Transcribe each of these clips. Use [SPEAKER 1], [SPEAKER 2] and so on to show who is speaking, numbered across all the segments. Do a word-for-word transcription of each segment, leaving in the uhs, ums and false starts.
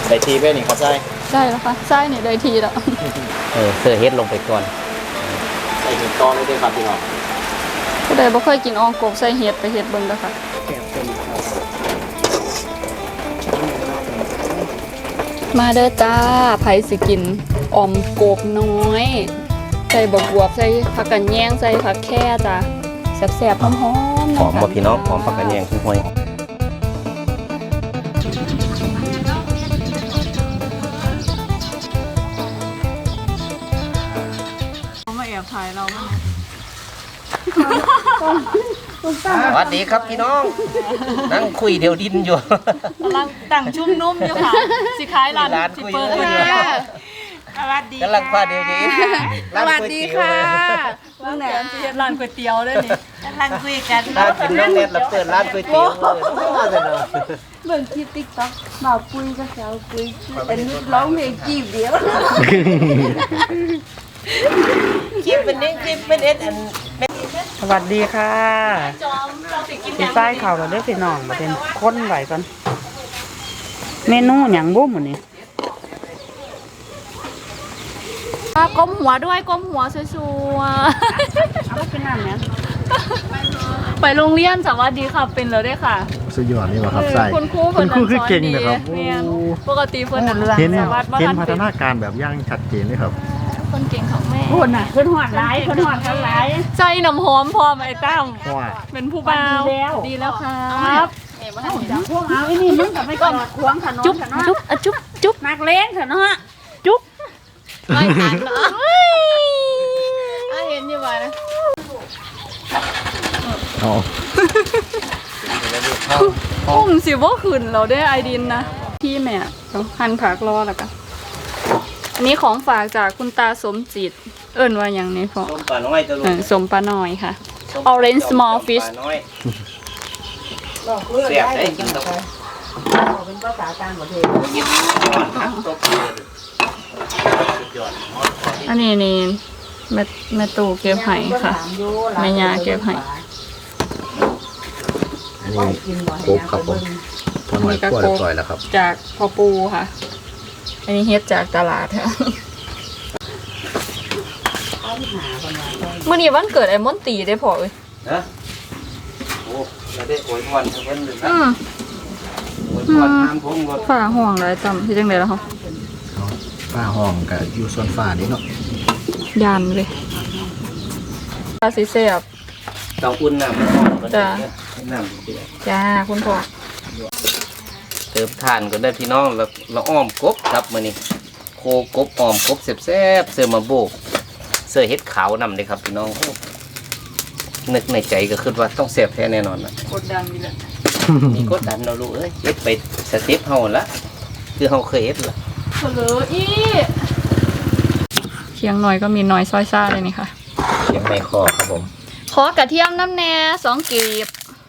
[SPEAKER 1] ใส่ทีไปนี่ครับใส่
[SPEAKER 2] ได้แล้วค่ะใช่นี่ได้ทีแล้ว
[SPEAKER 3] เออเสือเฮ็ดลงไปก่อน
[SPEAKER 1] ใส่ถึงตอนเลยด้วยครับพี่น้อง
[SPEAKER 2] ผู้ใดบ่เคยกินอ่องกบใส่เห็ดไปเห็ดเบิ่งเด้อค่ะมาเด้อจ้าไผสิกินอ่อมกบน้อยใส่บวบใส่ผักกะแยงใส่ผักแค่จ้าแซ่บๆหอมๆ
[SPEAKER 3] หอมบ่พี่น้องหอมผักกะแยงคุ้นห้วย
[SPEAKER 2] มาแอบถ่ายเราบ้าง
[SPEAKER 3] สวัสดีครับพี่น้องนั่งคุยเดียวดินอยู่
[SPEAKER 2] กำลังตั้งชุ่มนุ่มอยู่ค่ะสิขายร้านสิเปิดเลย
[SPEAKER 4] สวัสดี
[SPEAKER 3] กำลังพาเดียวดิน
[SPEAKER 4] สวัสดีค่ะ
[SPEAKER 2] ร้านไหนสิเฮ็ดร้านก๋วยเตี๋ยวด้วยนี่
[SPEAKER 4] กำลังคุยกัน
[SPEAKER 3] ร้านกินน้ำเน็ตแล้วเปิดร้านก๋วยเตี๋ยว
[SPEAKER 4] เบิ่งคลิปติ๊กต็อกบ่าวปุ้ยก็แซวปุ้ยเป็นร้องเพลงจีบเดียวคลิปเป็นเอ็นคลิปเป็นเอ็นอัน
[SPEAKER 5] สวัสดีค่ะพี่ฝ้ายข่าวเราได้พี่น้องมาเป็นค้นไหวกันเมนูอย่างบุ้มวันนี้
[SPEAKER 2] ก้มหัวด้วยก้มหัวชัวร์
[SPEAKER 5] ๆเอาไปกินน้ำเนี่ย
[SPEAKER 2] ไปโรงเรียนสวัสดีค่ะเป็นเลยได้ค่ะ
[SPEAKER 1] สุดยอดนี่ว่าครับใส่
[SPEAKER 2] คุณครู
[SPEAKER 1] คุณครูคือเก่งนะครับ
[SPEAKER 2] ปกติเพิ่น
[SPEAKER 1] เห็นเนี่ยเห็นพัฒนาการแบบย่างชัดเจนเลยครับ
[SPEAKER 2] คนเก่งของแม่
[SPEAKER 5] คนน่ะคนหอดร้ายคนหอดกันร้าย
[SPEAKER 2] ใจน้ำหอมพอไหมตั้มเป็นผู้บ่าวดีแล้วครับ
[SPEAKER 5] พวกเอาไอ้นี่มึงกับไม่ก่อนควงขนม
[SPEAKER 2] จุ๊บจุ๊บจุ๊บจุ๊บ
[SPEAKER 5] นักเล่นเถอะเนาะ
[SPEAKER 2] จุ๊บไม่ทันเนาะอ่ะเห็นอยู่บ่นะ
[SPEAKER 1] อ๋อ
[SPEAKER 2] พุ่งสิว่าขึ้นเราได้ไอดินนะพี่แม่ต้องหั่นผักรอแล้วกันอันนี้ของฝากจากคุณตาสมจิตเอิ้นว่าอย่างนี้พอ
[SPEAKER 3] ส้มปลาน้อยตะลุง
[SPEAKER 2] สมปลาน้อยค่ะ orange small fish
[SPEAKER 3] เสียบได้กินตะ
[SPEAKER 5] เป็นภาษาต่างประเทศ
[SPEAKER 2] อันนี้นี่แม่แม่ตู่เก็บไห้ค่ะแม่ยาเก็บไห้
[SPEAKER 1] อันนี้โคกครับผมพอหน่อยก็ปล่อยแล้วครับ
[SPEAKER 2] จากพ่อปูค่ะอันนี้เฮ็ดจากตลาดค่ะมื่อนี้วันเกิดไอ้มอนตีได้พอเลย
[SPEAKER 3] นะโอ้แล้วได้โอยพรทั้งวันเลยนะโอยพรน้ำพุ่งรถ
[SPEAKER 2] ฝ่าห่วงไรจำที่จังไดแล้วเขา
[SPEAKER 1] ฝ้าห้องกับอยู่ส่วนฝ้านี่เนาะ
[SPEAKER 2] ยันเลยปลาสีเสียบ
[SPEAKER 3] เตาอุ่นน้ำมันร้อน
[SPEAKER 2] จ้า
[SPEAKER 3] น้ำเดือด
[SPEAKER 2] จ้าคุณพ่อ
[SPEAKER 3] เติมทานก็ได้พี่น้องแล้วเราอ้อมกบครับมื้อนี้โคกบอ้อมกบแซ่บๆเสื้อมาโบกเสื้อเฮ็ดขาวนำเลยครับพี่น้องนึกในใจก็คิดว่าต้องแซ่บแท้แน่นอนนะ
[SPEAKER 2] กดดันมีแหละ
[SPEAKER 3] มีกดดันเราลูกเอ้ยเฮ็ดไปสเต็ปเฮาละคือเฮาเคยเฮ็ดล่ะ
[SPEAKER 2] เผลออีเคียงหน่อยก็มีน้อยซอยซ่าเลยนี่ค่ะ
[SPEAKER 3] เคียงในคอครับผม
[SPEAKER 2] ขอกระเทียมน้ำแหน่สองกีบ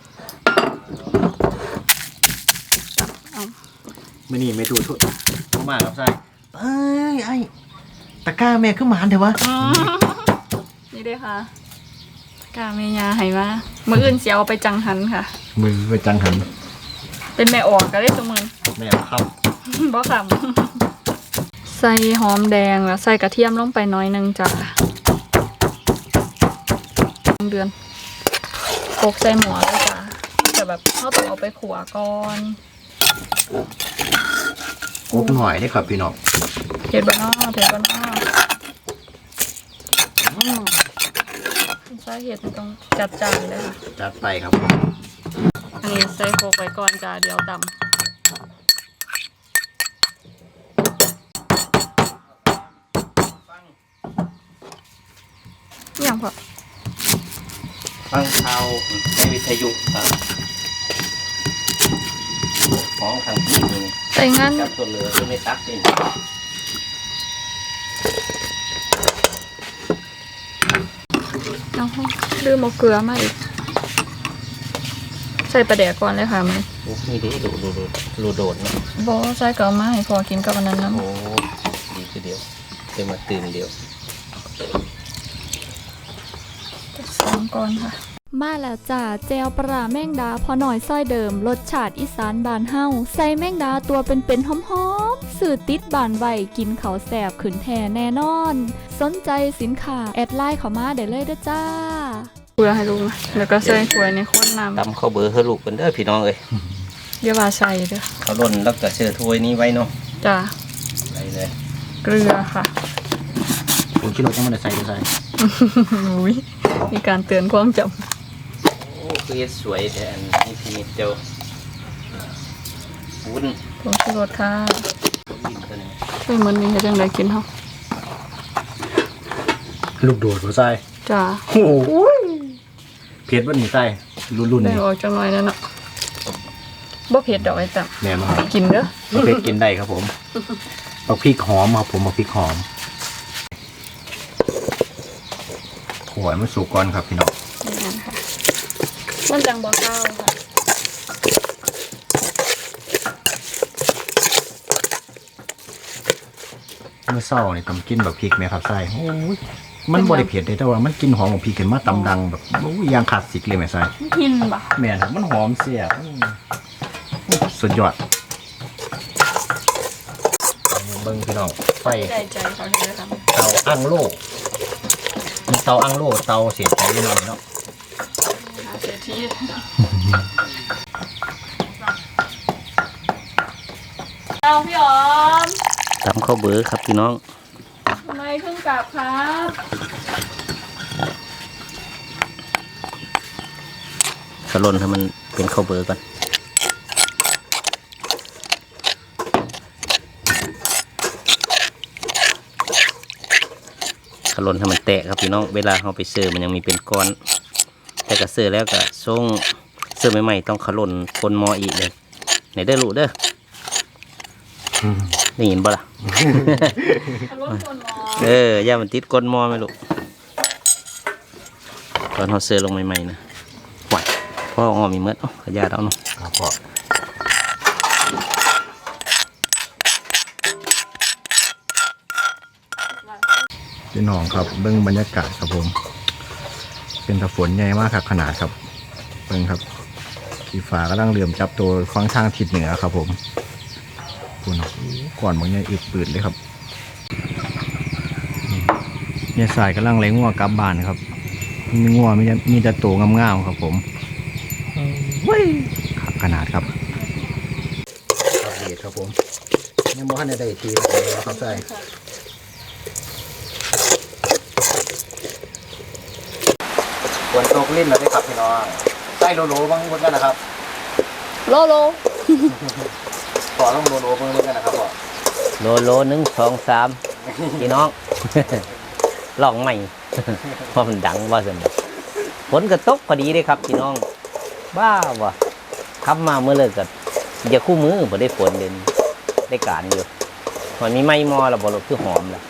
[SPEAKER 1] ไม่นี่ไม่ดูทุกมากครับใช่เอ้ยไอ้ตะก้าแม่ขึ้นมาเถอะวะ
[SPEAKER 2] นี่ด้วยค่ะกาเมียาให้มามืออื่นเสียวไปจังหันค่ะ
[SPEAKER 1] มือไปจังหัน
[SPEAKER 2] เป็นแม่ออกก็ได้ตัวมือ
[SPEAKER 1] แม่ครับ
[SPEAKER 2] บ่ขำใส่หอมแดงแล้วใส่กระเทียมลงไปน้อยนึงจ้ะเดือนโขกใส่หมูเลยจ้ะแต่แบบเขาต้องเอาไปขัวก่อน
[SPEAKER 1] โอ้หน่อยได้ครับพี่น้อง
[SPEAKER 2] เผ็ดบ้านนอกเผ็ดบ้านนอกใส่เห็ดตรงจัดจานเลยค่ะ
[SPEAKER 1] จัดไปครับ
[SPEAKER 2] อันนี้ใส่โขกไว้ก่อนจ้ะเดี๋ยวดำอย่างพอ
[SPEAKER 3] ฟังข่าวในวิทยุครับของทางที่นี่
[SPEAKER 2] แต่งั้น
[SPEAKER 3] จับตัวเหลือจะไม่ตักเอง
[SPEAKER 2] เอาลืมเอาเกลือมาอีกใส่ปลาแดกก่อนเลยค่ะมัน
[SPEAKER 3] โอ้นี่ดิดูดูดูดูโดดนะ
[SPEAKER 2] บอใส่เกลือมาให้พอกินกับอันนั้นนะ
[SPEAKER 3] โอ้ดีทีเดียวเต็มมาตื่นเดียว
[SPEAKER 2] สองก่อนค่ะมาแล้วจ้าเจลปลาแมงดาพอหน่อยซ้อยเดิมรสชาติอีสานบานเฮาใส่แมงดาตัวเป็นๆหอมๆสื่อติดบานไวกินเขาแสบขืนแทแน่นอนสนใจสินค้าแอดไลน์เข้ามาได้เลยเด้อจ้าเกลือให้ลูกนะแล้วก็ใส่ถ้วยในข้นน้ำ
[SPEAKER 3] ตำข้าวเบอร์ให้ลูกกันเด้อพี่น้องเอ้ย
[SPEAKER 2] เดี๋ยวว่าใส่เด้อ
[SPEAKER 3] เขาล่นแล้วก็เชื่อถ้วยนี้ไว้เนาะ
[SPEAKER 2] จ้า
[SPEAKER 3] ไปเลย
[SPEAKER 2] เกลือค่ะ
[SPEAKER 1] ผมคิดว่าจะไม่ได้ใส่ก็ใส่
[SPEAKER 2] อุ้ยมีการเตือนความจ
[SPEAKER 3] โอ้คือสวยแต่อันนี้พี่นิดเดียววุ้น
[SPEAKER 2] ำผงชูรสค่ะ
[SPEAKER 3] ยินตัวนี้
[SPEAKER 2] ช่วยมันนี่ให้จังไดกินเฮา
[SPEAKER 1] ลูกโดดหัวใส่
[SPEAKER 2] จ้า
[SPEAKER 1] โอ้โหเผ็ดวันนี้ใส่รุ่นรุ่น
[SPEAKER 2] ได้
[SPEAKER 1] นี้
[SPEAKER 2] ออกจังหน่อยแล้วเนาะบ่เผ็ดดอกไอ้ตับ
[SPEAKER 1] แน่นอน
[SPEAKER 2] กินเด้อ
[SPEAKER 1] เผ็ดกินได้ครับผมเอาพริกหอมครับผมเอาพริกหอมหัวมันสุกก่อนครับพี่น้อง
[SPEAKER 2] นี่ค่ะมันจังบ่ข้าวค่ะ
[SPEAKER 1] เมื่อเศร้าเนี่ยต้องกินแบบพริกไหมครับใส่โอ้ยมันบริเผ็ดเลยแต่ว่ามันกินหอมของพริกเห็นมาตำดังแบบโอ้ยอยางขาดสิกเลยไหมใส่
[SPEAKER 2] กินบ่
[SPEAKER 1] แม่นครับมันหอมเสียบอืมสุดยอดเบิ้งพี่น้องไฟ
[SPEAKER 2] ใจใจเขาเลยค่ะ
[SPEAKER 1] เตาอั้งโล่มีเตาอั้งโล่เตาเสียบใจนิดหน่อยเนาะ
[SPEAKER 2] หาเสียที่เอาพี่อ๋อม
[SPEAKER 3] ตำข้าวเบอร์ครับพี่น้อง
[SPEAKER 2] ทำไมเพิ่งกลับครับ
[SPEAKER 3] ขล่นให้มันเป็นข้าวเบอร์ก่อนขล่นให้มันแตกครับพี่น้องเวลาเราไปเสิร์ฟมันยังมีเป็นก้อนแต่ก็เสิร์ฟแล้วก็ส่งเสิร์ฟใหม่ๆต้องขล่นคนหมออีกเลยไหนเด้อลูกเด้อได้ยินบ่ล่ะ
[SPEAKER 2] รถคนมอ
[SPEAKER 3] เออย่ามันติดก้นหม้อไหมลูกตอนเขาเสือลงใหม่ๆนะไหวพ่ออ้อมีเมื่อขยาดเอาเนาะ
[SPEAKER 1] ครับพ่อพี่น้องครับเบิ้งบรรยากาศครับผม เป็นตะฝนใหญ่มากครับขนาดครับเบิ้งครับขี่ฟ้ากำลังเหลื่อมจับตัวฟังทางทิศเหนือครับผมคุณก่อนบางอย่างอึดปืดเลยครับเนี่ยสายกำลังเล้งงัวกลับบ้านครับมีงัวมีมีแต่โตงามๆครับผมว้ยขนาดครับครับเดีครับผมยังบ่ทันได้ทีเลยครับใส่ฝนตกลิ้นแล้วได้ครับพี่น้องใส่โลโลบ้างเหมือนกันนะครับ
[SPEAKER 2] โลโล
[SPEAKER 1] ต่อต้องโลโลบ้างเหมือนกันนะครับพ่อ
[SPEAKER 3] โลโลหนึ่งสองสามพี่น้อง ลองใหม่ เพราะมันดังว่าสนฝนก็ตกพอดีเลยครับพี่น้อง บ้าวะขับมาเมื่อเลิกกับอย่าคู่มือพอได้ฝนเด่นได้การอยู่มันมีไม้มอแล้วบอลคือหอมแล้ว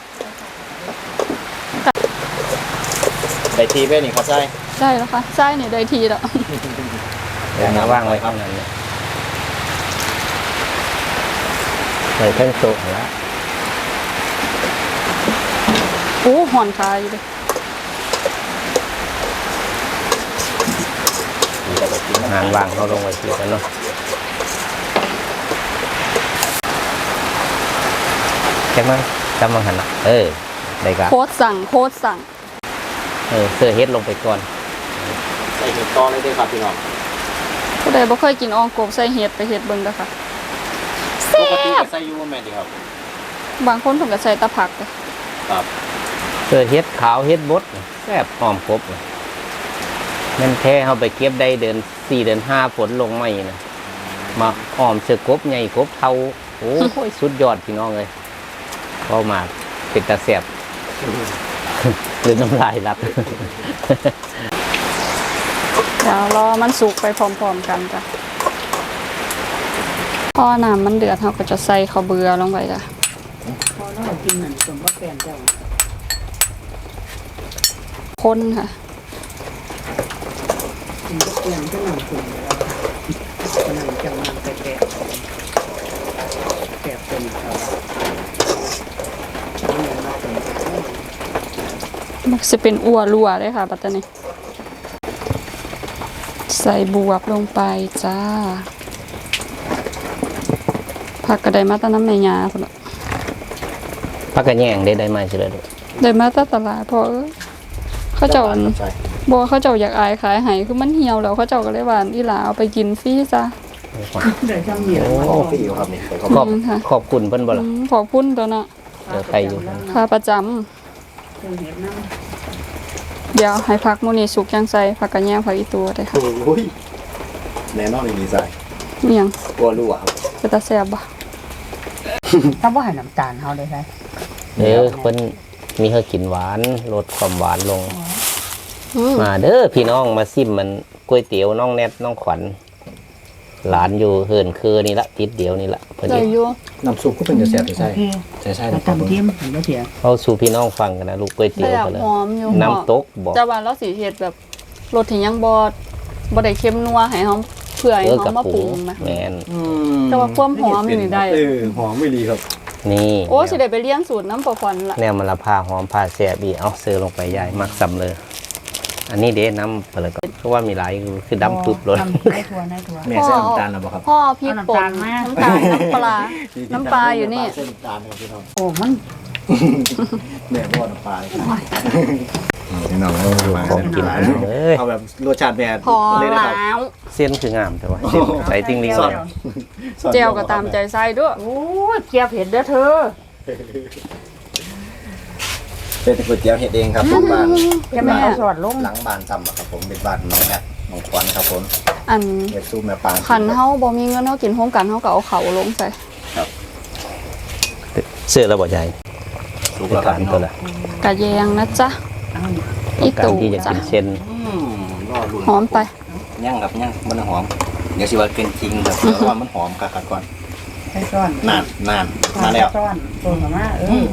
[SPEAKER 1] ได้ทีเว้นี่ครับใช่
[SPEAKER 2] ได้แล้วค่ะใช่เนี่ยได้ทีแล้ว
[SPEAKER 3] เดี๋ยวมาว่างไว้ข้างนั้นเนี่ยใส่เครื่องโซ่แล้ว
[SPEAKER 2] โอ้หอนคายอยู่เลย
[SPEAKER 3] งานวางเขาลงไว้ทีกันเนาะแค่มั้งจำมังหันนะเออได้ครับ
[SPEAKER 2] โคตรสั่งโคตรสั่ง
[SPEAKER 3] เออเสื้อเฮ็ดลงไปก่อน
[SPEAKER 1] ใส่เห็ดตอเลยได้ครับพี่น้อง
[SPEAKER 2] ผู้ใดบ่เคยกินอองกบใส่เห็ดไปเห็ดเบิ่งเด้อค่ะ
[SPEAKER 1] ปกติใส่ยูแมนดีครับ
[SPEAKER 2] บางคนเพิ่นก็ใส่ตะผักเด้อ
[SPEAKER 1] ครับ
[SPEAKER 3] เสื้อเฮ็ดขาวเฮ็ดบดแซ่บหอมครบนั่นแท้เขาไปเก็บได้เดือนสี่เดือนห้าฝนลงไม่นะมาหอมเสื้อกบใหญ่กบเทาโอ้ยสุดยอดพี่น้องเลยพอมาเป็นตาแซ่บ หรือน้ำลายรับ
[SPEAKER 2] เดี๋ยวรอมันสุกไปพร้อมๆกันจ้ะพอน้ำมันเดือดเราก็จะใส่ข้าวเบื่อลงไปจ้ะ
[SPEAKER 5] พอเรากินเหมือนสมบัติแฟนเจ้า
[SPEAKER 2] คนค่ะ
[SPEAKER 5] กินก็เปลี่ยนก็หนังสุ่มเลยหนังจะมันแต่แกะแกะเป็นครับ
[SPEAKER 2] มันจะเป็นอัวรัวเลยค่ะปัตตานีใส่บวบลงไปจ้าผักกระไดมาตะน้ำในยาพุ่นล่ะ
[SPEAKER 3] พักกันแย่งได้ได้มาใช่เลยลูก
[SPEAKER 2] ได้มาตะตลาดเพอเขาเจ้า
[SPEAKER 1] ครับใจ
[SPEAKER 2] บอกว่าเขาเจ้าอยากอายขายให้คือมันเหี่ยวแล้วเขาเจ้าก็เลยว่าอีหลาเอาไปกินฟรีจ้ะ
[SPEAKER 5] เดี๋ยวจำเหนียว
[SPEAKER 1] โอ้พี่อยู่ครับนี่ขอบ
[SPEAKER 3] ขอบ
[SPEAKER 2] อืมค่ะ
[SPEAKER 3] ขอบคุณเพิ่นบ่ล่ะ
[SPEAKER 2] อืมขอบคุณตัวเนาะ
[SPEAKER 3] เดี๋ยวใครอยู่
[SPEAKER 2] ค่าประจำ
[SPEAKER 5] เครื่องเห็ดน้
[SPEAKER 2] เดี๋ยวให้ผักมื้อนี้สุกจังใส่ผักกระแยงผักอีตัวได้ค่ะ
[SPEAKER 1] โอ้ยแน่นอนเลยดีใจ
[SPEAKER 2] เมียง
[SPEAKER 1] กลัวรั่วครับ
[SPEAKER 2] เป็นตาแซ่บบ่
[SPEAKER 5] ำถ้าว่าให้น้ำตาลเขาได้ไหม
[SPEAKER 3] เด้อเพิ่นมีให้กินหวานลดความหวานลง
[SPEAKER 2] อืม
[SPEAKER 3] มาเด้อพี่น้องมาซิมมันก๋วยเตี๋ยวน้องแนทน้องขวัญหลานอยู่เฮินคือนี่ละติดเดียวนี่ละเพิ่น
[SPEAKER 2] ได้
[SPEAKER 3] เฮ็ด
[SPEAKER 2] อยู่
[SPEAKER 1] น้ำซุปก็เป็นจะแซ่บใช่
[SPEAKER 5] โอเค
[SPEAKER 1] ใช่ใช่
[SPEAKER 5] แต่
[SPEAKER 1] ครับ
[SPEAKER 5] ตำเทียมเห็นไหมเถียง
[SPEAKER 3] เอาสู่พี่น้องฟังกันนะลูกก๋วยเตี๋ยว
[SPEAKER 2] แซ่บ
[SPEAKER 3] กันเลย
[SPEAKER 2] หอมอยู่
[SPEAKER 3] น้ำตกบอก
[SPEAKER 2] แต่ว่าเราสิเฮ็ดแบบรสที่ยังบ่บ่ได้เค็มนัวให้เฮาเพื่อให้
[SPEAKER 3] เออ
[SPEAKER 2] เฮา
[SPEAKER 3] กับ
[SPEAKER 2] มาป
[SPEAKER 3] ปู
[SPEAKER 2] รุงนะ
[SPEAKER 3] แมน
[SPEAKER 2] แต่ว่าความหอมนี่ได้
[SPEAKER 1] เออหอมไม่ดีครับ
[SPEAKER 3] นี่
[SPEAKER 2] โอ้สิได้ไปเลี้ยงสูตรน้ำปลาฟอนละ
[SPEAKER 3] แนวมันละผ้าหอมผ้าแซ่บอีเอาเสือลงไปใหญ่มักซ้ำเลย อันนี้เด้น้ำไปเลยก็เพราะว่ามีหลายคือดำปึ๊บเลย
[SPEAKER 5] น้ำในถั่วในถั่ว
[SPEAKER 1] แม่ใส่น้ำตาลหรือเปล่าครับ
[SPEAKER 2] พ่อพริกป่น
[SPEAKER 5] เอาน้ำตาลมา
[SPEAKER 2] น้ำตาลน้ำปลา น้ำปลาอยู่นี่
[SPEAKER 1] ใส่น้ำตาลครับพี่น้อง
[SPEAKER 5] โอ้มัน
[SPEAKER 1] แม่พ่อน้ำปลาเลยครับพี่น้องเอา
[SPEAKER 3] ของกินอันนี้เลย
[SPEAKER 1] เอาแบบรสชาติแม่
[SPEAKER 2] พอ
[SPEAKER 1] เลยนะครับ
[SPEAKER 2] แล้ว
[SPEAKER 3] เส้นคืองามแต่ว่าเส้นใส่ติ้งลิง
[SPEAKER 1] สอด
[SPEAKER 3] เลย
[SPEAKER 1] สอด
[SPEAKER 2] เจลก็ตามใจไส้ด้วย
[SPEAKER 5] โอ้ยเจียบเห็ดเด้อเธอ
[SPEAKER 1] เป็นก๋วยเตี๋ยวเห็ดเองครับทุกบ้าน
[SPEAKER 5] จะไม่เอาสอดลง
[SPEAKER 1] หลังบ้านซ้ำอะครับผมเป็นบ้านน้องแนทน้องขวัญครับผม
[SPEAKER 2] อัน
[SPEAKER 1] เห็ดสู้แม่ปาง
[SPEAKER 2] ขันเฮาบ่มีเงินเฮากินโฮมกันเฮาก็เอาเขาลงใส่
[SPEAKER 3] เสื้อระบบใหญ่
[SPEAKER 1] สุก
[SPEAKER 3] เป็น
[SPEAKER 1] แล้วครั
[SPEAKER 3] กา
[SPEAKER 1] บ
[SPEAKER 3] ร
[SPEAKER 1] พี่น้
[SPEAKER 3] ตั
[SPEAKER 1] อ
[SPEAKER 3] ว
[SPEAKER 1] ง
[SPEAKER 3] ละ
[SPEAKER 2] กะแยงนะจ๊ะ
[SPEAKER 5] เอานี่
[SPEAKER 2] อี
[SPEAKER 3] การ
[SPEAKER 2] ตู่
[SPEAKER 3] ที่จะ
[SPEAKER 2] จ้ะ
[SPEAKER 3] กินเส้น
[SPEAKER 1] อืมรอรุ่น
[SPEAKER 2] หอมไป
[SPEAKER 1] ย่างกับย่างมันหอม เดี๋ยวสิว่าเป็นจริงครับเพราะว่ามันหอมคักๆก่อน
[SPEAKER 5] ใส่ซ้อน
[SPEAKER 1] นานนานมาแล้ว
[SPEAKER 5] ซ้อนตัวกับมาเออ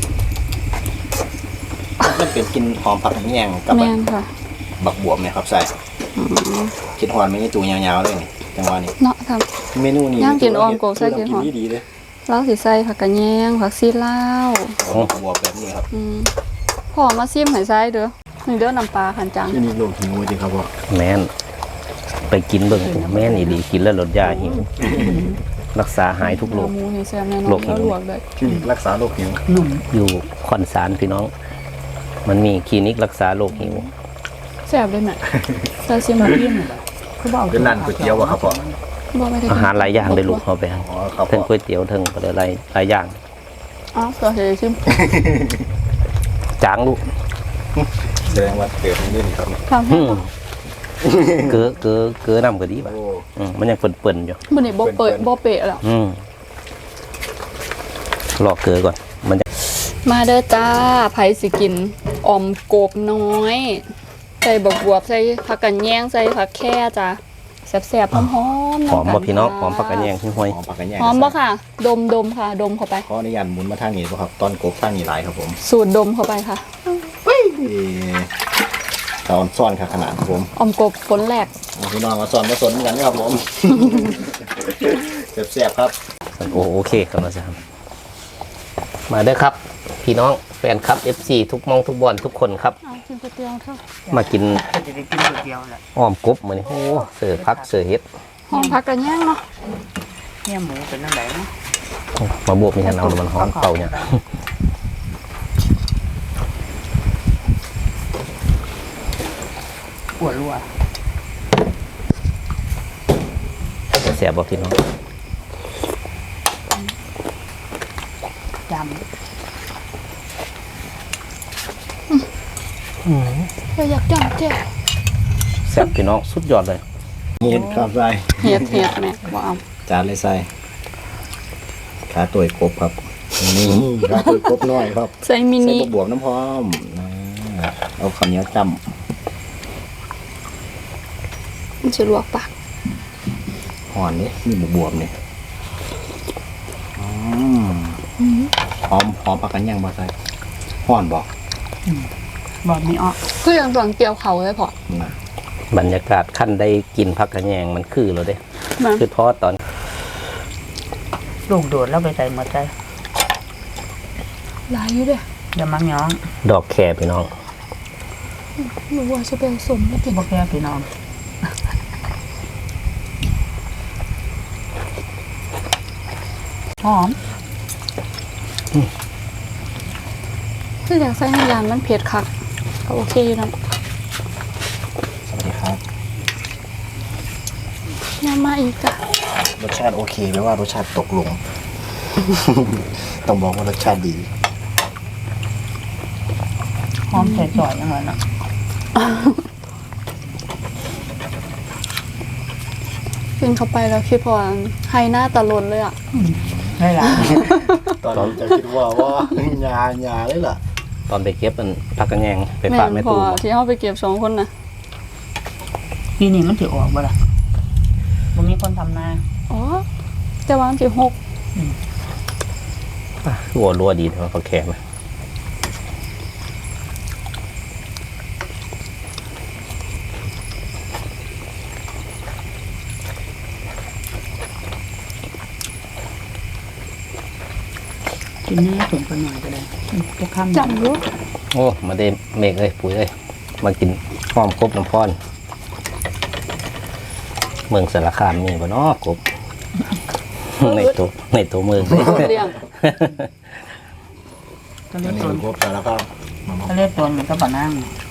[SPEAKER 1] มันเป็นกลินหอมผักแยงกับ
[SPEAKER 2] แม่นค่ะ
[SPEAKER 1] บักบวบเนี่ยครับใส่คิดหอนไม่ใช่ตัวยาวๆเลยนี่จังหวะนี้
[SPEAKER 2] เนาะท
[SPEAKER 1] เมนูนี้
[SPEAKER 2] ย่างกินออมโกบใส่กินหอม
[SPEAKER 1] ดีๆเลย
[SPEAKER 2] ำเราสิใส่ผักกะแยงผักซีลาว
[SPEAKER 1] บักบวบแบบนี้ครับ
[SPEAKER 2] อืมพ่อมาซิมให้ใส่เด้อนี่เด้อน้ำปลาคันจัง
[SPEAKER 1] ที่นี่โลกหิวจริงครับพ่อ
[SPEAKER 3] แม่นไปกินเบิ่งแม่นอีดีกินแล้วลดยาหิวรักษาหายทุกโรค
[SPEAKER 2] หมูนี่แซ่บแน่นอ
[SPEAKER 3] โร
[SPEAKER 2] น
[SPEAKER 3] คหิว
[SPEAKER 2] แล้วลวกได้
[SPEAKER 1] คลินิกรักษาโรคหิว
[SPEAKER 5] หนุ่ม
[SPEAKER 3] อยู่คอนสารพี่น้อง มันมีคลินิกรักษาโรคหิว
[SPEAKER 2] แซ่บเลยแม่ใส่ซิม
[SPEAKER 5] มา
[SPEAKER 2] บ่
[SPEAKER 5] เยี่ยมเลยเขาบอก
[SPEAKER 1] เป็นร้านก๋วยเตี๋ยวอะครับพ่อ
[SPEAKER 2] บ่ไม่ได้
[SPEAKER 3] อาหารหลายอย่างได้ลูกเอาไป
[SPEAKER 1] อ๋อครับ
[SPEAKER 3] ทั้
[SPEAKER 1] พ่
[SPEAKER 3] ง
[SPEAKER 1] อ
[SPEAKER 3] ก๋วยเตี๋ยวทั้งอะไรหลายหลายอย่าง
[SPEAKER 2] อ๋อก็เฮซิม
[SPEAKER 3] จางลูก
[SPEAKER 1] แสดงว่าเติมนี่นี่ครับ
[SPEAKER 2] ทาง
[SPEAKER 3] อืมเกือเกือเกือน้ำก็ดีป่ะ
[SPEAKER 1] โอ้
[SPEAKER 3] อืมมันยังเปิ่นๆอยู่
[SPEAKER 2] มื้อนี้บ่เปิดบ่เปะแล้ว
[SPEAKER 3] อืมรอเกลือก่อน มันจะ
[SPEAKER 2] มาเด้อจ้าไผสิกินออมกบน้อย ใส่บักบวบใส่ผักกันแยงใส่ผักแค่จ้าแซ่บๆหอมๆ
[SPEAKER 3] หอม
[SPEAKER 2] ำ
[SPEAKER 3] บ่พี่น้อง
[SPEAKER 2] จ้า
[SPEAKER 3] หอมผักกระแยงที่ห้วย
[SPEAKER 1] หอมผักกันแยง
[SPEAKER 2] หอมบ่ค่ะ ดมดมค่ะ ดมเข้าไป
[SPEAKER 1] ขออนุญาตหมุนมาทางนี้ป่ะครับตอนกบทางนี้หลายครับผม
[SPEAKER 2] สูตรดมเข้าไปค่ะ
[SPEAKER 1] เอ๊ะตอนซ่อนค่ะขนาดครับผม
[SPEAKER 2] ออมกบผลแรก
[SPEAKER 1] เอาพี่น้องมาซ่อนมาสนกันนะครับผมเสียบๆครับ
[SPEAKER 3] โอ้โอเคครับอาจารย์มาเด้อครับ พี่น้องแฟนคลับ เอฟ ซี ทุกมองทุกบอลทุกคนครับ
[SPEAKER 2] เอากินก๋วยเตี๋ยวเถอะ
[SPEAKER 3] มากิน
[SPEAKER 5] ก็จะได้กินก๋วยเตี๋ยวแหละ
[SPEAKER 3] อ้อมกบมื้อนี้โอ้เสือพักเสือเฮ็ด
[SPEAKER 2] หอมผักกันแยงเนาะ
[SPEAKER 5] เนี่ยหมูเป็นน้ำไหลนะ
[SPEAKER 3] มาบวกมีทันเอามันหอมเป่าเนี่ย
[SPEAKER 5] ปวดรัว
[SPEAKER 3] แซ่บบ่พี่น้อง
[SPEAKER 5] จ
[SPEAKER 2] เราอยากจังเจ๊
[SPEAKER 3] แซ่บพี่น้องสุดยอดเลย
[SPEAKER 1] เห็ดครับใส่
[SPEAKER 2] เฮ็ดเฮ็ดแม่บ่เอา
[SPEAKER 1] จานเลยใส่ขาตัวกบครับนี่ขาตัวกบน้อยครับ
[SPEAKER 2] ใส่มิ
[SPEAKER 1] ใส่
[SPEAKER 2] นิ
[SPEAKER 1] บวบน้ำพร้อมนะเอาข้าวเหนียวจ
[SPEAKER 2] มันสิลวกปาก
[SPEAKER 1] ำห่อนนี่มีบวบวบๆนี่อืมหอมหอมผักกันยังบ่ใส่ห่อนบอก
[SPEAKER 5] ำบอกมีอ้อ
[SPEAKER 2] คืออย่างสั่งเกี่ยวเขาเลยพอ
[SPEAKER 1] นะ
[SPEAKER 3] บรรยากาศขั้นได้กินผักกระแยงมันคือแล้วเด้
[SPEAKER 2] มา
[SPEAKER 3] คือทอดตอน
[SPEAKER 5] ลูกโดดแล้วไปใส่หมดใจ
[SPEAKER 2] หลายอยู่เด้
[SPEAKER 5] อย่ามังย้อง
[SPEAKER 3] ดอกแคพี่น้อง
[SPEAKER 2] หนูว่าจะเป็นสมแล้วกิน
[SPEAKER 5] บ่แค่พี่น้องหอม
[SPEAKER 2] คืออยากใส่ให้ยานมันเผ็ดคักก็โอเคอยู่นะ
[SPEAKER 1] สวัสดีครับ
[SPEAKER 2] ยามาอีกจ้ะ
[SPEAKER 1] รสชาติโอเคไหมว่ารสชาติตกลง ต้องบอกว่ารสชาติดี
[SPEAKER 5] หอมใส่จ่อยอย่างไรนะ
[SPEAKER 2] กินเข้าไปแล้วคิดพอไฮหน้าตะลนเลยอ่ะ
[SPEAKER 5] ได้ละ
[SPEAKER 1] ตอนนี้จะคิดว่าว่า ยายาเลยล่ะ
[SPEAKER 3] ตอนไปเก็บมันพักกันแยงไป
[SPEAKER 2] แม่
[SPEAKER 3] ฝาก
[SPEAKER 2] น
[SPEAKER 3] แม่
[SPEAKER 2] พอ
[SPEAKER 3] ตู
[SPEAKER 2] ที่เขาไปเก็บสองคนนะ
[SPEAKER 5] ปีนี้มันถือออกบ่ล่ะมันมีคนทำนา
[SPEAKER 2] อ๋อจะวางสิหก
[SPEAKER 3] หัวรัวดีเท่าเขาแข็งนะ
[SPEAKER 5] กินแน่ถุงไปหน่อยก็ได้จะข้าม
[SPEAKER 2] จำรู้
[SPEAKER 3] โอ้มาเดมเมกเอ้ยปุ๋ยเอ้ยมากินหอมกบน้ำพรเมืองสารคามนี่บ่เนาะกบ ในตัวในตัวเมืองเลย
[SPEAKER 2] เลี้ยง
[SPEAKER 5] ก็เรียก
[SPEAKER 1] นี่
[SPEAKER 5] ตัว
[SPEAKER 1] ครบแต่แล้วก็มา
[SPEAKER 5] ก็เรียกตัวมันก็บะนั่ง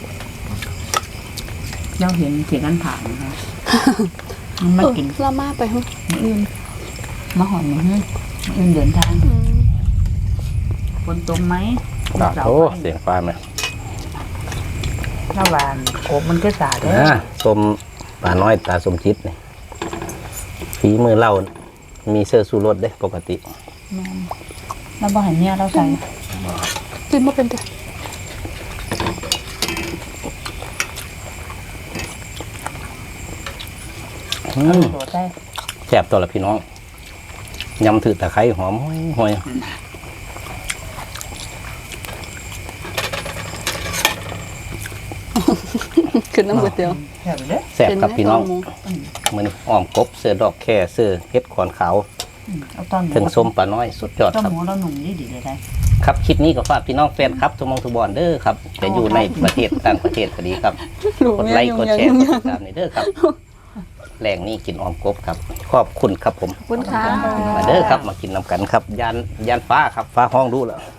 [SPEAKER 5] เจ้าเห็นเสียกันผ่านนะคะมันมากิน
[SPEAKER 2] เออละมาไปฮึ
[SPEAKER 5] มื้ออื่นมาหอนมื้ออื่นมื้ออื่นเดินทาง
[SPEAKER 2] อืม
[SPEAKER 5] ฝนตกไหม
[SPEAKER 3] ดาโอ้เสียงฟ้าไหม
[SPEAKER 5] ระหวานกบมันก็สาดเลย
[SPEAKER 3] นะสมปลาน้อยตาสมจิตนี่ฝีมือเล่ามีเสื้อสูรสเด้ปกติ
[SPEAKER 5] แม่นเราบ่เห็นเนี่ยเราใส่
[SPEAKER 2] กินมาเป็นตัว
[SPEAKER 3] อืม
[SPEAKER 5] ตัวใส่
[SPEAKER 3] แซ่บตัวละพี่น้องยำถือตะไคร้หอมห้อย
[SPEAKER 2] ขึ้นน้ำก๋วยเตี๋ยว
[SPEAKER 5] แซ่บเลยเด้อ
[SPEAKER 3] แซ่บครับพี่น้อง
[SPEAKER 2] เป็ไหม
[SPEAKER 3] มือนี้อ้อมกบเสื้อดอกแค่เสื้อเฮ็ดขอนขาว
[SPEAKER 5] อืมเอาตอนหมู
[SPEAKER 3] ถึงส้มปลาน้อยสุดยอด
[SPEAKER 5] ต้ม
[SPEAKER 3] ครับ
[SPEAKER 5] หมูเราหนุ่มดีดีเลยได้
[SPEAKER 3] ครับคลิปนี้ก็ฝากพี่น้องแฟนครับทุกมองทุกบอลเด้อครับจะอยู่ในประเทศต่างประเทศก็ดีครับ
[SPEAKER 2] หนู
[SPEAKER 3] กด
[SPEAKER 2] เมีย
[SPEAKER 3] ไลค์
[SPEAKER 2] ยุ่ง
[SPEAKER 3] กด
[SPEAKER 2] ยัง
[SPEAKER 3] แชร์
[SPEAKER 2] ยุ่ง
[SPEAKER 3] กด
[SPEAKER 2] ยั
[SPEAKER 3] ติ
[SPEAKER 2] ง
[SPEAKER 3] ดตามในเด้อครับแรงนี้กินอ้อมกบครับขอบคุณครับผม
[SPEAKER 2] ขอบคุณค่ะ
[SPEAKER 3] มาเด้อครับมากินน้ำกันครับยานยานฟ้าครับฟ้าห้องดูแล้ว